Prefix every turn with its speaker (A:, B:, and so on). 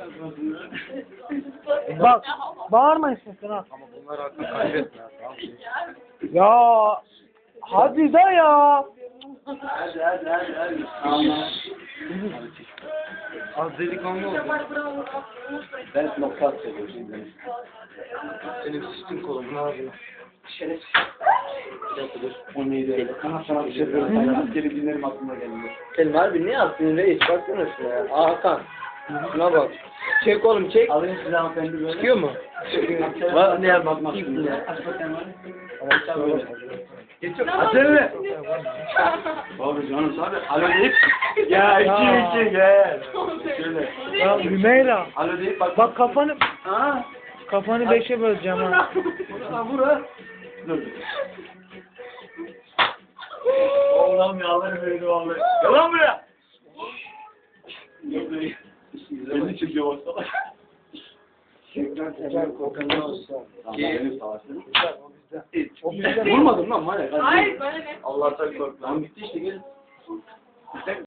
A: Bak, bağırmayın sakın ha.
B: Ama bunlar hakkında kaybetme ya, tamam mı?
A: Ya, hadi de ya.
C: Hadi.
B: Az delikanlı oldu.
C: Ben nokta söylüyorum.
B: Senin sıçtın kolum, ne yapayım?
C: Şerefsiz. Bir dakika dur. O neydi? Sana bir şey söyleyeyim. Askeri günlerim aklıma gelmiyor.
D: Selim harbi ne yaptın reis? Baksana şuna ya. Hakan. Şuna bak. Çek oğlum çek.
C: Alayım size hanımefendi böyle.
D: Çıkıyor mu?
C: Var ne yapmak bakayım. Aç bakayım var. Geçiyor. Açsana. Abi canım tabi. Alo deyip. Ya iki gel. Şöyle.
A: Ya Hümeyra.
C: Alo deyip bak.
A: Bak kafanı
C: Ha.
A: kafanı 5'e böleceğim ha.
C: Bura. Dur. Allah'ım yalvarırım beni vallahi. Gel lan buraya. Beni çekiyor baksana.
D: Tekrar kokanı olsun.
C: Benim savaşım.
A: O bizden.
C: Vurmadım lan var ya.
E: Hayır, bana ne?
C: Allah'tan korkma. Tamam gitti işte gel.